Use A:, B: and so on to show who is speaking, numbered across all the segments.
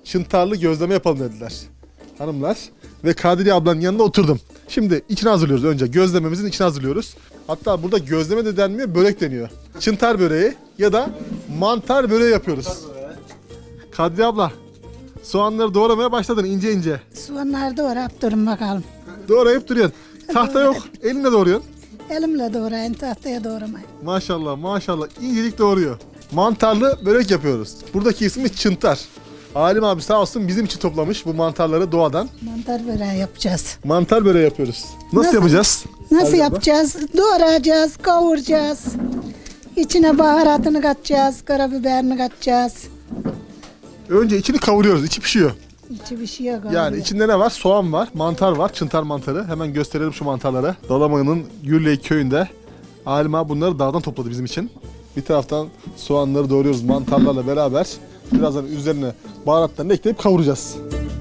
A: çıntarlı gözleme yapalım dediler hanımlar. Ve Kadriye ablanın yanına oturdum. Şimdi içini hazırlıyoruz önce. Gözlememizin içini hazırlıyoruz. Hatta burada gözleme de denmiyor, börek deniyor. Çıntar böreği ya da mantar böreği yapıyoruz. Kadriye abla, soğanları doğramaya başladın ince ince.
B: Soğanları doğrayıp durun bakalım.
A: Doğrayıp duruyorsun. Tahta yok, elinle doğruyorsun.
B: Elimle doğrayın, tahtaya doğramayın.
A: Maşallah maşallah incelik doğruyor. Mantarlı börek yapıyoruz. Buradaki ismi çıntar. Halim abi sağ olsun bizim için toplamış bu mantarları doğadan.
B: Mantar böreği yapacağız.
A: Mantar böreği yapıyoruz. Nasıl yapacağız?
B: Nasıl
A: Kadriye abla?
B: yapacağız? Doğrayacağız, kavuracağız. İçine baharatını katacağız, karabiberini katacağız.
A: Önce içini kavuruyoruz, içi pişiyor.
B: İçi pişiyor kavuruyor.
A: Yani içinde ne var? Soğan var, mantar var, çıntar mantarı. Hemen gösterelim şu mantarları. Dalaman'ın Gürley köyünde Halim abi bunları dağdan topladı bizim için. Bir taraftan soğanları doğruyoruz mantarlarla beraber. Birazdan üzerine baharatlarını ekleyip kavuracağız.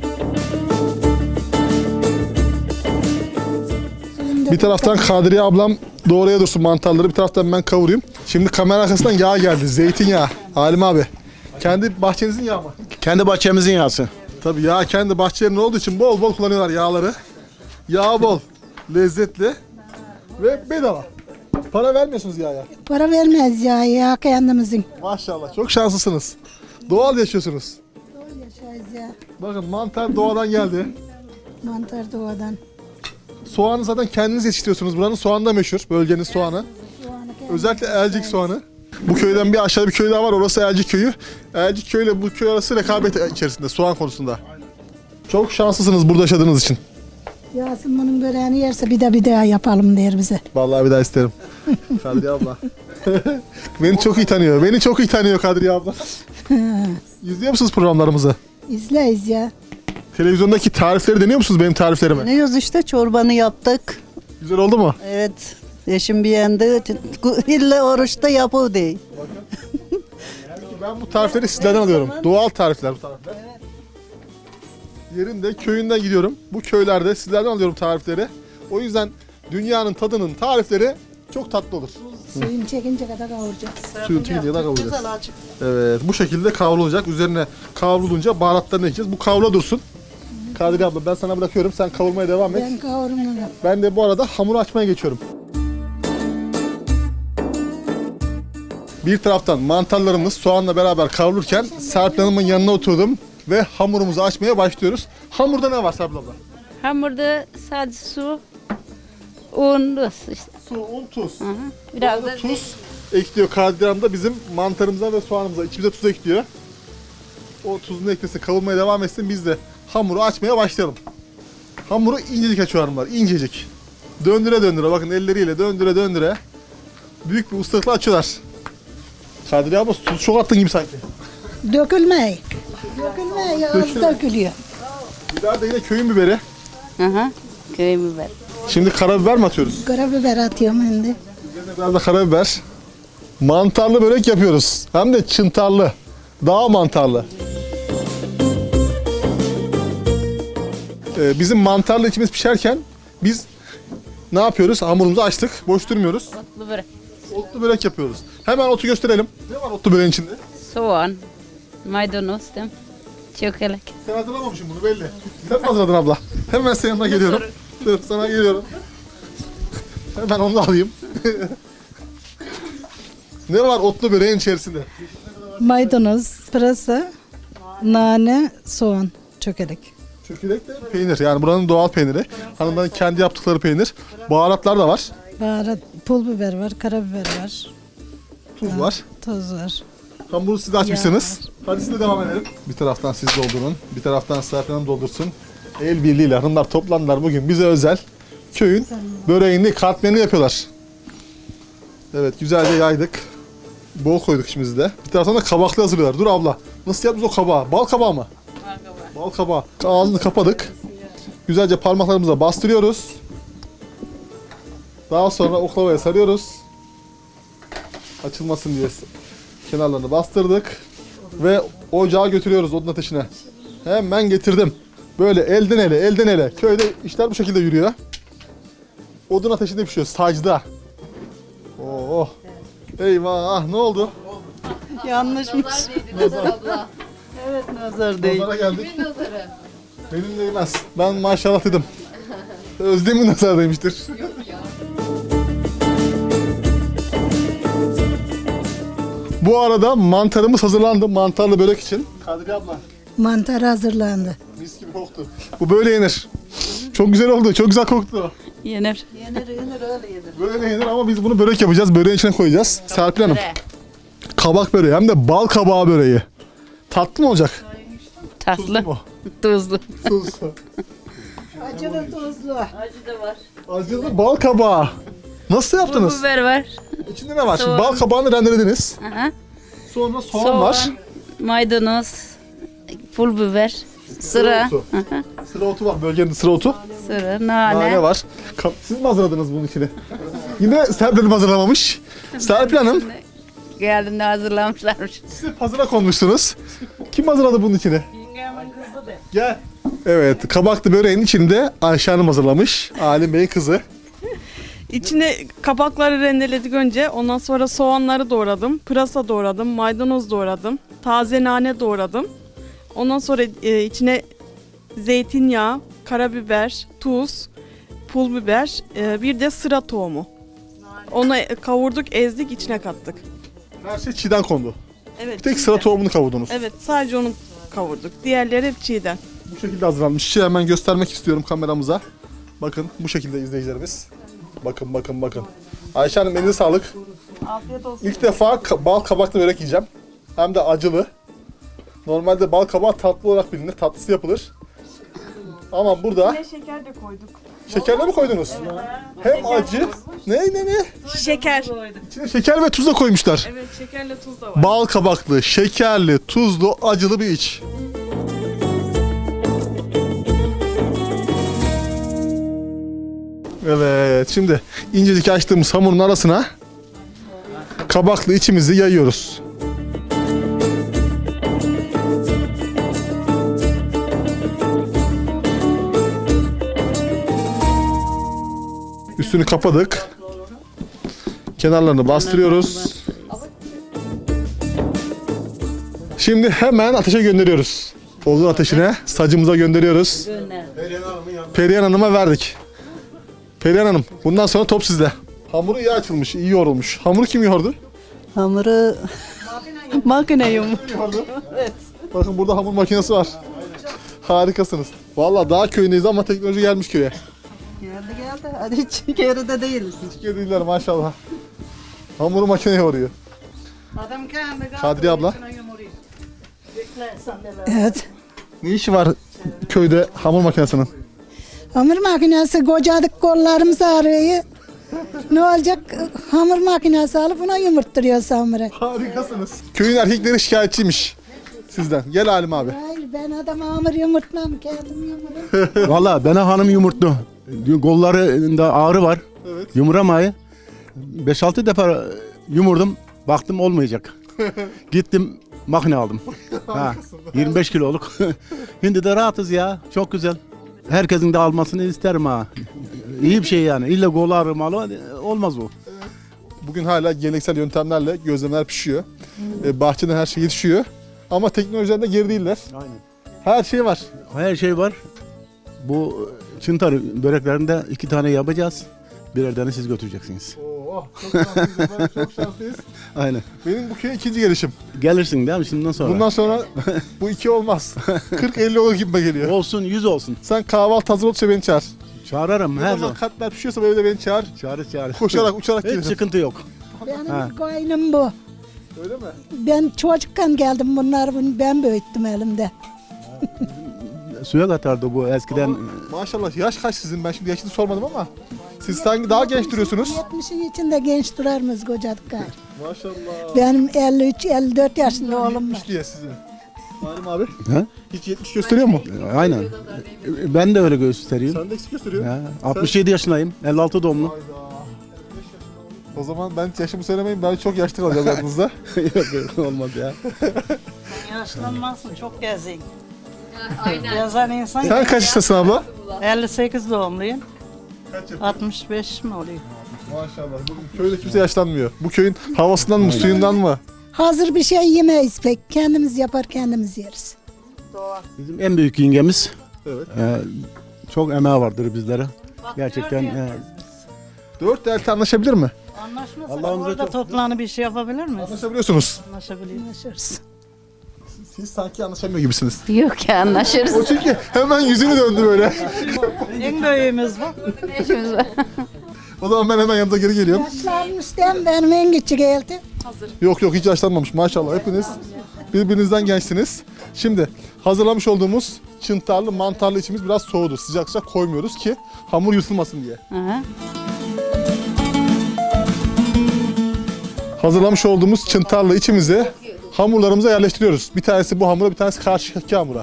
A: Bir taraftan Kadriye ablam doğraya dursun mantarları, bir taraftan ben kavurayım. Şimdi kamera arkasından yağ geldi, zeytinyağı. Halim abi, kendi bahçenizin yağı mı?
C: Kendi bahçemizin yağısı.
A: Tabii yağ kendi bahçelerinin olduğu için bol bol kullanıyorlar yağları. Yağ bol, lezzetli ve bedava. Para vermiyorsunuz yağa.
B: Para vermez ya kendimizin.
A: Maşallah çok şanslısınız. Doğal yaşıyorsunuz.
B: Doğru yaşayız ya.
A: Bakın mantar doğadan geldi.
B: Mantar doğadan.
A: Soğanı zaten kendiniz yetiştiriyorsunuz. Buranın soğanı da meşhur. Bölgenin soğanı.
B: Soğanı
A: Özellikle Elcik soğanı. Bu köyden bir aşağıda bir köy daha var. Orası Elcik köyü. Elcik köyüyle bu köy arası rekabet içerisinde soğan konusunda. Çok şanslısınız burada yaşadığınız için.
B: Yasin bunun böreğini yerse bir daha yapalım der bize.
A: Vallahi bir daha isterim. Kadriye abla. Beni çok iyi tanıyor. Beni çok iyi tanıyor Kadriye abla. İzliyor musunuz programlarımızı?
B: İzleyiz ya.
A: Televizyondaki tarifleri deniyor musunuz benim tariflerimi?
D: Deniyoruz işte çorbanı yaptık.
A: Güzel oldu mu?
D: Evet. Eşim beğendi. İlle oruçta yapı değil.
A: Ben bu tarifleri sizlerden alıyorum. Doğal tarifler bu tarifler. Yerinde köyünden gidiyorum. Bu köylerde sizlerden alıyorum tarifleri. O yüzden dünyanın tadının tarifleri çok tatlı olur.
B: Suyun çekince kadar kavuracağız.
A: Suyun çekince kadar kavuracağız. Evet, bu şekilde kavrulacak. Üzerine kavrulunca baharatlarını ekleyeceğiz. Bu kavrula dursun. Kadriye abla ben sana bırakıyorum. Sen kavurmaya devam et.
B: Ben kavururum.
A: Ben de bu arada hamuru açmaya geçiyorum. Bir taraftan mantarlarımız soğanla beraber kavrulurken Serpil Hanım'ın yanına oturdum ve hamurumuzu açmaya başlıyoruz. Hamurda ne var Serpil abla?
E: Hamurda sadece su, un, tuz işte.
A: Su, un, tuz.
E: Hı hı. Biraz da
A: Tuz ekliyor Kadriye Hanım da bizim mantarımıza ve soğanımıza. İçimize tuz ekliyor. O tuzunu eklesin, kavurmaya devam etsin. Biz de hamuru açmaya başlayalım. Hamuru incecik açıyor hanımlar, incecik. Döndüre döndüre, bakın elleriyle döndüre döndüre. Büyük bir ustalıkla açıyorlar. Kadriye abla tuz çok attın gibi sanki.
B: Dökülmeyi. Dökülmeyi az dökülüyor.
A: Biber de yine köyün biberi.
E: hı hı, köy biber.
A: Şimdi karabiber mi atıyoruz?
B: Karabiber atıyorum şimdi.
A: Üzerine biraz da karabiber. Mantarlı börek yapıyoruz. Hem de çıntarlı. Dağ mantarlı. Bizim mantarlı içimiz pişerken biz ne yapıyoruz? Hamurumuzu açtık. Boş durmuyoruz.
E: Otlu börek.
A: Otlu börek yapıyoruz. Hemen otu gösterelim. Ne var otlu böreğin içinde?
E: Soğan, maydanoz, değil mi? Çökelek.
A: Sen hazırlamamışsın bunu belli. Sen mi hazırladın abla? Hemen senin yanına geliyorum. Dur sana geliyorum. Hemen onu da alayım. Ne var otlu böreğin içerisinde?
F: Maydanoz, pırasa, nane, soğan, çökelek.
A: Çökelek de peynir. Yani buranın doğal peyniri. Hanımların kendi yaptıkları peynir. Baharatlar da var.
F: Baharat, pul biber var, karabiber var,
A: Tuz var.
F: toz var.
A: Hamuru siz de açmışsınız. Hadi siz de devam edelim. Bir taraftan siz doldurun. Bir taraftan Serpil Hanım doldursun. El birliğiyle hanımlar toplandılar bugün bize özel. Köyün böreğini, katmerini yapıyorlar. Evet güzelce yaydık. Bol koyduk içimizde de. Bir taraftan da kabaklı hazırlıyorlar. Dur abla. Nasıl yaptınız o kabağı? Bal kabağı mı? Bal kabağı. Ağzını kapadık. Güzelce parmaklarımıza bastırıyoruz. Daha sonra oklavaya sarıyoruz. Açılmasın diye kenarlarını bastırdık. Ve ocağa götürüyoruz odun ateşine. Hemen getirdim. Böyle elden ele, elden ele. Köyde işler bu şekilde yürüyor. Odun ateşinde pişiyor, sacda. Oh. Eyvah, ne oldu?
D: Yanlışmış. Evet nazar değil.
A: Nazara geldik. Benim değmez. Ben maşallah dedim. Özlem'in nazar demiştir. Bu arada mantarımız hazırlandı. Mantarlı börek için. Kadriye abla.
B: Mantar hazırlandı.
A: Mis gibi koktu. Bu böyle yenir. Çok güzel oldu. Çok güzel koktu.
E: Yenir.
D: Yenir öyle yenir.
A: Böyle yenir ama biz bunu börek yapacağız. Böreğin içine koyacağız. Serpil Hanım. Kabak böreği hem de bal kabağı böreği. Tatlı mı olacak? Tuzlu
E: Tatlı.
A: mu?
E: Tuzlu.
A: Tuzlu.
B: Acılı tuzlu.
E: Acı da var.
A: Acılı bal kabağı. Nasıl
E: Pul
A: yaptınız?
E: biber var.
A: İçinde ne var? Şimdi
E: Soğan.
A: bal kabağını rendelediniz.
E: Aha.
A: Sonra soğan var.
E: Maydanoz. Pul biber. Sıra.
A: otu. Sıra otu var. Bölgenin sıra otu.
E: Sıra.
A: Nane
E: Nane.
A: var. Siz mi hazırladınız bunun içini? Yine Serpil Hanım hazırlamamış. Serpil Hanım,
E: Geldiğinde hazırlamışlarmış.
A: siz hep hazıra konmuşsunuz. Kim hazırladı bunun içini? Gel. Evet, kabaklı böreğin içinde Ayşe Hanım hazırlamış. Alim Bey'in kızı.
C: İçine kabakları rendeledik önce. Ondan sonra soğanları doğradım. Pırasa doğradım. Maydanoz doğradım. Taze nane doğradım. Ondan sonra içine zeytinyağı, karabiber, tuz, pul biber, bir de sıra tohumu. Onu kavurduk, ezdik, içine kattık.
A: Her şey çiğden kondu.
C: Evet.
A: Bir tek
C: çiğden.
A: sıra tohumunu kavurdunuz.
C: Evet, sadece onu kavurduk. Diğerleri hep çiğden.
A: Bu şekilde hazırlanmış. Şey hemen göstermek istiyorum kameramıza. Bakın bu şekilde izleyicilerimiz. Bakın bakın bakın. Ayşe Hanım elinize sağlık.
C: Afiyet olsun.
A: İlk defa bal kabaklı börek yiyeceğim. Hem de acılı. Normalde bal kabağı tatlı olarak bilinir. Tatlısı yapılır. Ama burada
C: Şeker de koyduk.
A: şekerle mi koydunuz? Hem acı. Ne?
C: Şeker.
A: İçine şeker ve tuz da koymuşlar.
C: Evet, şekerle tuz da var.
A: Bal kabaklı, şekerli, tuzlu, acılı bir iç. Evet, şimdi incecik açtığımız hamurun arasına kabaklı içimizi yayıyoruz. Üstünü kapadık. Kenarlarını bastırıyoruz. Şimdi hemen ateşe gönderiyoruz. Odun ateşine sacımıza gönderiyoruz. Perihan Hanım'a verdik. Perihan Hanım, bundan sonra top sizde. Hamuru iyi açılmış, iyi yoğrulmuş. Hamuru kim yoğurdu?
D: Hamuru makine yum.
A: Bakın burada hamur makinesi var. Harikasınız. Vallahi daha köyündeyiz ama teknoloji gelmiş köye.
D: Geldi. Hadi hiç geride değiliz.
A: Hiç değiller maşallah. Hamuru makine yoğuruyor. Kadriye abla.
B: Evet.
A: Ne işi var köyde hamur makinesinin?
B: Hamur makinesi kocadık kollarımız ağrıyor. Ne olacak? Hamur makinesi alıp buna yumurtturuyoruz hamuru.
A: Harikasınız. Köyün erkekleri şikayetçiymiş sizden. Gel Halim abi.
B: Hayır ben adam hamur yumurtmam kendim yumurum.
G: Valla bana hanım yumurtlu. Kollarında ağrı var.
A: Evet.
G: Yumuramayı. 5-6 defa yumurdum. Baktım olmayacak. Gittim makine aldım. Ha, 25 kiloluk. Şimdi de rahatız ya. Çok güzel. Herkesin de almasını isterim ha. İyi bir şey yani. İlla kol ağrımalı olmaz o.
A: Bugün hala geleneksel yöntemlerle gözlemeler pişiyor. Bahçeden her şey yetişiyor. Ama teknolojiden de geri değiller.
G: Aynen.
A: Her şey var.
G: Her şey var. Bu çıntar böreklerinde 2 tane yapacağız. Birer tane siz götüreceksiniz.
A: Oo, çok şanslıyız. Ben çok şanslıyız.
G: Aynen.
A: Benim bu köye ikinci gelişim.
G: Gelirsin değil mi şimdiden sonra?
A: Bundan sonra bu iki olmaz. 40-50 olur gibime geliyor.
G: Olsun 100 olsun.
A: Sen kahvaltı hazır olursa beni çağır.
G: Çağırırım
A: Ne
G: her
A: zaman
G: zaman.
A: katmer pişiyorsa böyle de beni çağır.
G: Çağır.
A: Koşarak uçarak
G: Hiç
A: gelirim.
G: sıkıntı yok.
B: Benim
G: Ha.
B: koynum bu.
A: Öyle mi?
B: Ben çocukken geldim bunları ben büyüttüm elimde.
G: Suya katardı bu eskiden.
A: Maşallah yaş kaç sizin? Ben şimdi yaşını sormadım ama siz sanki daha genç duruyorsunuz.
B: 70'in içinde genç durar mıyız kocadık gayrı?
A: Maşallah.
B: Benim 53-54 yaşında oğlum var.
A: 70 diye sizin. Halim abi.
G: Ha?
A: Hiç 70 gösteriyor mu?
G: Aynen. Ben de öyle gösteriyorum.
A: Sen de eksik gösteriyor.
G: Ya, 67 yaşındayım. 56 doğumlu.
A: Hayda. O zaman ben yaşımı söylemeyin, ben çok yaşlı kalacağım yanınızda.
G: Yok olmaz ya.
H: Yaşlanmazsın, çok gezin. Gezen insan.
A: Sen kaç yaşındasın abla?
H: 58 doğumluyum.
A: Kaç yaşındasın?
H: 65 mi oluyor?
A: Maşallah. Bu köyde kimse yaşlanmıyor. Bu köyün havasından mı, suyundan mı?
B: Hazır bir şey yemeyiz pek. Kendimiz yapar kendimiz yeriz.
G: Bizim en büyük yengemiz.
A: Evet.
G: Çok emeği vardır bizlere. Gerçekten.
A: 4 elti anlaşabilir mi?
H: Anlaşmasa
G: Allah'ımıza
H: orada
G: çok-
H: toplanıp bir şey yapabilir miyiz?
A: Anlaşabiliyorsunuz.
H: Anlaşabiliyoruz.
A: Siz sanki anlaşamıyor gibisiniz.
E: Yok ya anlaşırız.
A: O çünkü hemen yüzünü döndü böyle.
H: En büyüğümüz bu.
E: Ne işimiz var?
A: O zaman ben hemen yanınıza geri geliyorum.
B: Yaşlanmış değil mi? Benim en küçük elti.
A: Yok hiç yaşlanmamış maşallah hepiniz birbirinizden gençsiniz. Şimdi hazırlamış olduğumuz çıntarlı mantarlı içimiz biraz soğudu. Sıcak sıcak koymuyoruz ki hamur yutulmasın diye.
E: Aha.
A: Hazırlamış olduğumuz çıntarlı içimizi hamurlarımıza yerleştiriyoruz. Bir tanesi bu hamura, bir tanesi karşıdaki hamura.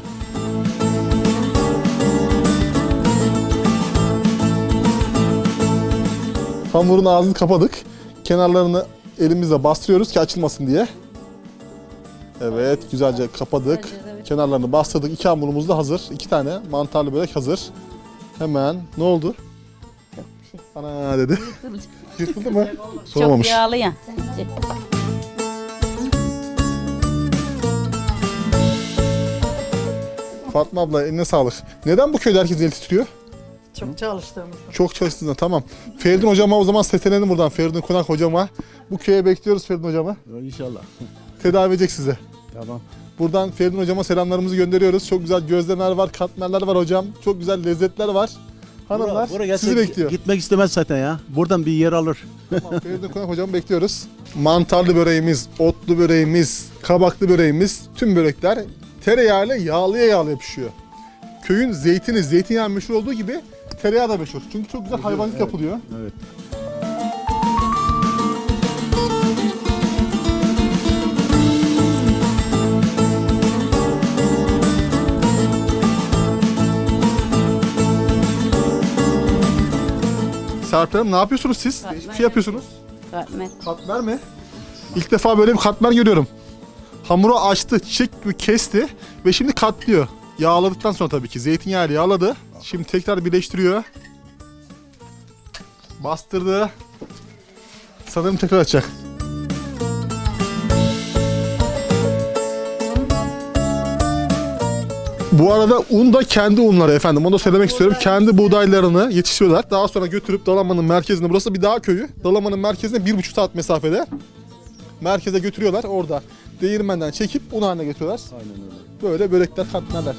A: Hamurun ağzını kapadık. Kenarlarını elimizle bastırıyoruz ki açılmasın diye. Evet, güzelce kapadık. Kenarlarını bastırdık. 2 hamurumuz da hazır. 2 tane mantarlı börek hazır. Hemen ne oldu? Ana dedi. Yırtıldı mı?
E: Çok
A: Soğumamış.
E: yağlı ya.
A: Fatma abla eline sağlık. Neden bu köyde herkes el titriyor?
H: Çok çalıştığımızda.
A: Çok çalıştığında tamam. Feridun hocama o zaman seslenelim buradan. Feridun Konak hocama. Bu köye bekliyoruz Feridun hocama.
G: İnşallah.
A: Tedavi edecek sizi.
G: Tamam.
A: Buradan Feridun hocama selamlarımızı gönderiyoruz. Çok güzel gözlemeler var, katmerler var hocam. Çok güzel lezzetler var. Hanımlar
G: Buraya
A: sizi bekliyor.
G: Gitmek istemez zaten ya. Buradan bir yer alır.
A: Tamam, Feridun Konak hocamı bekliyoruz. Mantarlı böreğimiz, otlu böreğimiz, kabaklı böreğimiz, tüm börekler tereyağıyla yağlıya pişiyor. Köyün zeytini, zeytinyağı meşhur olduğu gibi tereyağı da meşhur. Çünkü çok güzel hayvancılık yapılıyor.
G: Evet.
A: Serpil Hanım ne yapıyorsunuz siz?
E: Katmer.
A: Hiçbir şey yapıyorsunuz.
E: Katmer.
A: Katmer mi? İlk defa böyle bir katmer görüyorum. Hamuru açtı, çiçek gibi kesti ve şimdi katlıyor. Yağladıktan sonra tabii ki zeytinyağıyla yağladı. Şimdi tekrar birleştiriyor. Bastırdı. Sanırım tekrar açacak. Bu arada un da kendi unları efendim. Onu da söylemek istiyorum. Kendi buğdaylarını yetiştiriyorlar. Daha sonra götürüp Dalaman'ın merkezine, burası bir dağ köyü. Dalaman'ın merkezine 1,5 saat mesafede. Merkeze götürüyorlar. Orada değirmenden çekip un haline getiriyorlar.
G: Aynen öyle.
A: Böyle börekler, katmerler.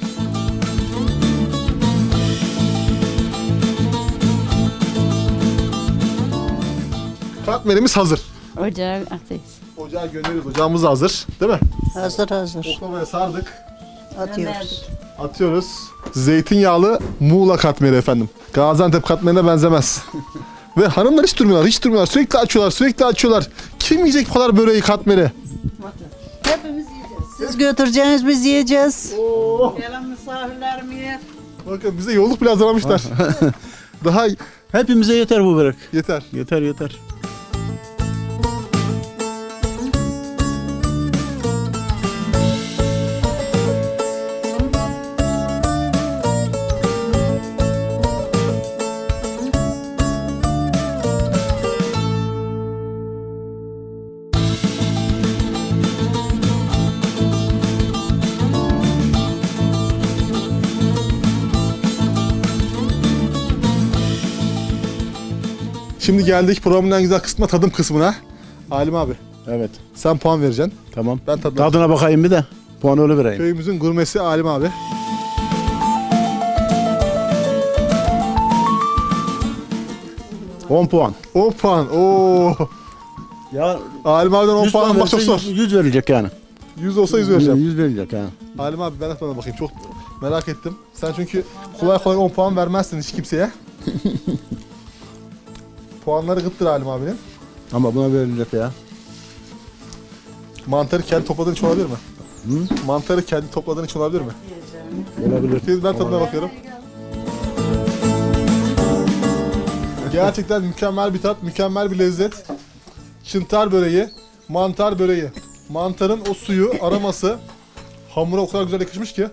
A: Katmerimiz hazır.
E: Ocağı atayız.
A: Ocağa gönderiyoruz. Ocağımız da hazır. Değil mi?
H: Hazır hazır.
A: Oklavaya sardık.
H: Atıyoruz.
A: Atıyoruz. Zeytinyağlı Muğla katmeri efendim. Gaziantep katmerine benzemez. Ve hanımlar hiç durmuyorlar, hiç durmuyorlar. Sürekli açıyorlar, sürekli açıyorlar. Kim yiyecek bu kadar böreği, katmeri?
H: Hepimiz yiyeceğiz. Siz götüreceğiniz biz yiyeceğiz.
A: Oo.
H: Gelen misafirler mi yer?
A: Bakın bize yolluk bile hazırlamışlar. Daha
G: Hepimize yeter bu börek.
A: yeter.
G: Yeter yeter.
A: Şimdi geldik programın en güzel kısmına, tadım kısmına. Halim abi,
G: Evet.
A: sen puan vereceksin.
G: Tamam.
A: Ben tadına.
G: Tadına bakayım bir de. Puanı öyle vereyim.
A: Köyümüzün gurmesi Halim abi.
G: On puan.
A: 10 puan. Oo.
G: Ya
A: Halim abiden 10 puan almak çok zor.
G: 100 verecek yani.
A: 100 olsa 100 vereceğim.
G: 100 verecek yani.
A: Halim abi ben de tadına bakayım. Çok merak ettim. Sen çünkü kolay kolay 10 puan vermezsin hiç kimseye. Puanları gıttır Halim abinin.
G: Ama buna verilecek ya.
A: Mantarı kendi topladığın için olabilir mi?
G: Hı?
A: Mantarı kendi topladığın için olabilir mi?
G: Olabilir.
A: Şimdi ben tadına bakıyorum. Gerçekten mükemmel bir tat, mükemmel bir lezzet. Çıntar böreği, mantar böreği. Mantarın o suyu, aroması hamura o kadar güzel yakışmış ki.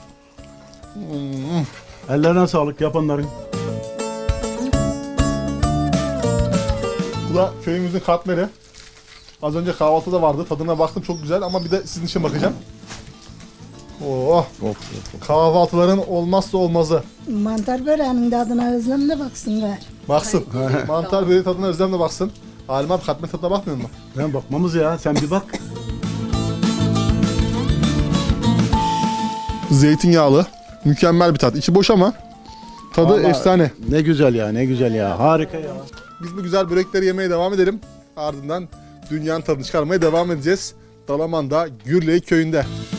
G: Ellerine sağlık yapanların.
A: Bu da köyümüzün katmeri. Az önce kahvaltıda vardı. Tadına baktım çok güzel ama bir de sizin için bakacağım. Oh, kahvaltıların olmazsa olmazı.
B: Mantar böreğinin tadına özlemle baksın gari.
A: Baksın. Mantar böreği tadına özlemle baksın. Halim abi katmer tadına bakmıyor mu?
G: Ben bakmamız ya, sen bir bak.
A: Zeytinyağlı. Mükemmel bir tat. İçi boş ama tadı
G: Vallahi
A: efsane.
G: Ne güzel ya, ne güzel ya. Harika ya.
A: Biz bu güzel börekleri yemeye devam edelim. Ardından dünyanın tadını çıkarmaya devam edeceğiz. Dalaman'da Gürley köyünde.